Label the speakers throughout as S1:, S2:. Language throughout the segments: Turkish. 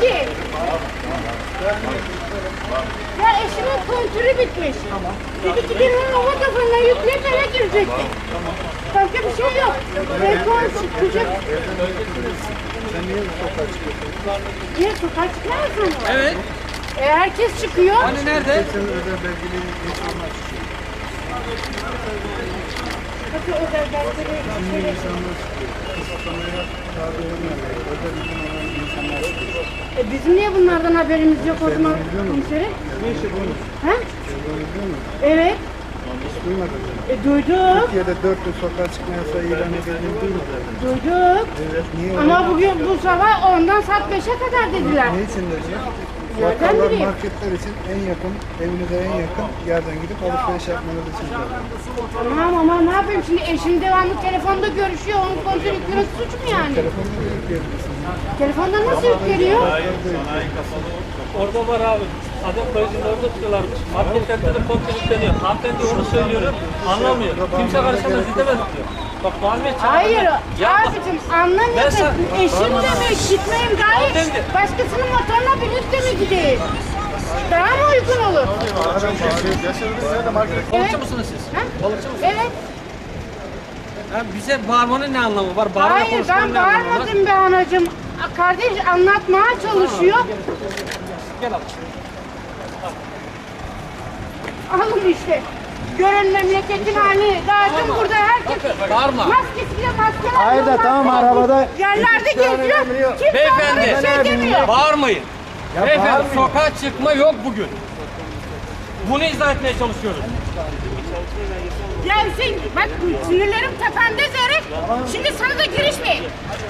S1: ki. Ya eşimin kontürü bitmiş. Dedi ki bir hava kafanına yükleyip eve girecekti. Başka bir şey yok. Rekor çıkacak.
S2: Sen niye sokağa çıkıyorsun?
S1: Niye sokağa çıkmaz mı?
S3: Evet.
S1: Herkes çıkıyor.
S3: Hani nerede?
S2: Senin özel belgeli insanlar çıkıyor.
S1: Bakın özel belgeleri
S2: Şimdi insanlar çıkıyor. Kısıtlamaya tabi olmayan, özel izin olan insanlar çıkıyor.
S1: Bizim niye bunlardan haberimiz yok o zaman komiserim?
S2: Ne işi bunu?
S1: Ha?
S2: Bunu biliyor musun?
S1: Evet.
S2: Hiç duymadın mı?
S1: Duyduk.
S2: Türkiye'de 4 yıl sokağa çıkma yasağı ilan edildiğini duymadın mı?
S1: Duyduk.
S2: Evet. Niye
S1: Ama
S2: öyle?
S1: bugün bu sabah 10'dan saat 5'e kadar dediler.
S2: Ne için diyecek?
S1: Nereden
S2: Bakkallar,
S1: bileyim?
S2: marketler için en yakın, evinize en yakın yerden gidip alışveriş yapmanız için diyorlar.
S1: Tamam ama ne yapayım şimdi eşim devamlı telefonda görüşüyor. Onun kontrol yüklemesi suç mu yani?
S2: Telefonla da yükleyebilirsiniz.
S1: Telefonda nasıl yükleniyor?
S3: Orada var abi. Adam koyucunun orada tutuyorlarmış. Marketlerde de kontrol yükleniyor. Hanımefendi onu söylüyorum. Anlamıyor. Kimse karışamaz, gidemez diyor. Bak Muhammed Çağatay.
S1: Hayır
S3: Ya bak,
S1: abicim anlamıyorsun. Eşim demiş gitmeyeyim gayet. Başkasının motoruna binip de mi gideyim? Daha mı uygun olur?
S3: Balıkçı mısınız siz?
S1: Ha?
S3: Balıkçı mısınız?
S1: Evet.
S3: Ha, bize bağırmanın ne anlamı var? Bağırma
S1: Hayır
S3: konuşmanın
S1: ben
S3: ne anlamı var?
S1: bağırmadım be anacığım. Kardeş anlatmaya çalışıyor.
S3: Gel abi.
S1: Alın işte. Görün memleketin halini. Dağıtın burada herkes
S3: Bağırma.
S1: maskesiyle maskeler.
S2: Hayır da tamam arabada.
S1: Yerlerde geziyor. Kimse
S3: Beyefendi,
S1: onlara bir şey demiyor.
S3: Bağırmayın. Beyefendi,
S2: bağırmayın.
S3: sokağa çıkma yok bugün. Bunu izah etmeye çalışıyoruz.
S1: Ya Hüseyin bak sinirlerim tepemde Zerif. Şimdi sana da girişmeyin.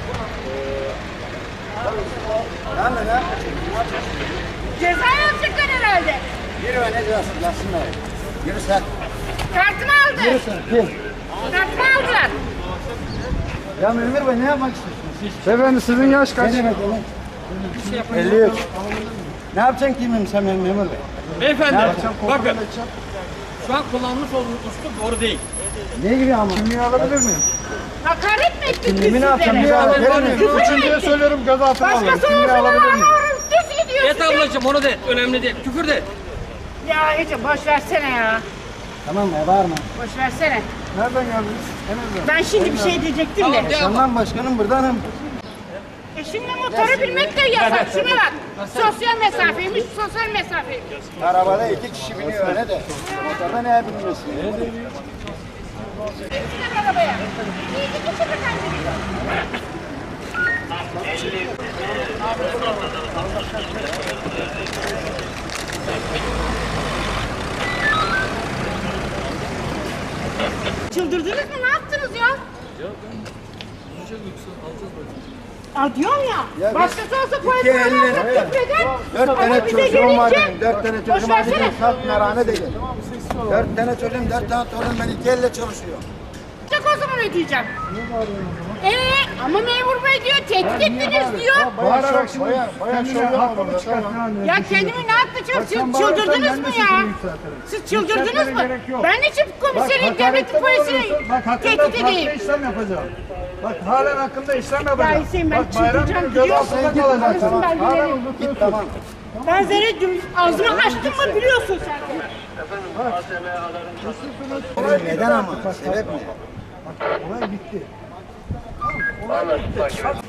S1: Ceza yazacaklar herhalde.
S2: Yürü ne diyorsun? Yatsınlar. Yürü sen.
S1: Kartımı aldı.
S2: Yürü sen. Kim?
S1: Kartımı aldılar.
S2: Ya Münir Bey ne yapmak istiyorsunuz? Beyefendi sizin yaş kaç? Ne demek oğlum? 53. Ne yapacaksın kimim sen benim Memur Bey?
S3: Beyefendi,
S2: Ne yapacağım? Kontrol
S3: bakın
S2: edeceğim.
S3: şu an kullanmış olduğunuz üslup doğru değil.
S2: Ne gibi ama? Kimliği alabilir miyim?
S1: Hakaret mi ettik biz
S2: Kimliğimi ne yapacağım?
S1: sizlere?
S2: Verir miyim?
S1: Küfür mü
S2: Üçüncüye
S1: ettik?
S2: söylüyorum gözaltına alırım.
S1: Başkası
S2: Kimliği
S1: olsa
S2: alabilir
S1: bana
S2: miyim?
S1: düz ediyor
S3: Et
S1: size.
S3: ablacığım onu de, önemli değil. Küfür de.
S1: Ya Ece boş versene ya.
S2: Tamam ya bağırma.
S1: Boş versene.
S2: Nereden geldiniz? Emir'den.
S1: Ben şimdi bir şey diyecektim
S3: Tamam,
S1: de.
S3: de.
S2: Şandan başkanım buradanım.
S1: Şimdi motoru bilmek de yasak. Şuna bak. Sosyal mesafeymiş, sosyal mesafeymiş.
S2: Arabada 2 kişi biniyor öyle de. Motorda neye binmiyorsun?
S1: Geçsin arabaya. İyi geçin bakalım. Çıldırdınız mı? Ne yaptınız ya? Diyorum ya,
S2: Ya
S1: başkası olsa
S2: iki
S1: polisler
S2: elle-
S1: alsa küfreder.
S2: 4
S1: Ama
S2: tane
S1: bize
S2: çocuğum var
S1: gelince-
S2: benim. 4 tane
S1: Boş
S2: çocuğum var
S1: versene.
S2: benim. Salt merhane değil. 4 tane çocuğum, 4 tane torun ben 2 elle çalışıyor.
S1: Çok o zaman ödeyeceğim. Ama memur bey diyor, tehdit ettiniz diyor.
S2: Bağırarak şimdi bayağı şov yapma burada. Tamam.
S1: Ya kendimi ne yapacağım? Siz çıldırdınız mı ya? Siz çıldırdınız mı? Ben için komiserin, devletin polisini
S4: Bak hakkında
S1: tehdit
S4: farklı
S1: edeyim.
S4: işlem yapacağım. Bak halen hakkında işlem
S1: Ya
S4: yapacağım.
S1: Hüseyin ben
S4: Bak bayram
S1: çıldıracağım
S4: günü
S1: biliyorsun.
S4: gözaltında kalacaksın.
S1: Konuşun belgeleri.
S2: Git tamam.
S1: Ben Zerre ağzımı açtım mı biliyorsun sen.
S2: Neden ama? Sebep ne?
S4: Olay bitti.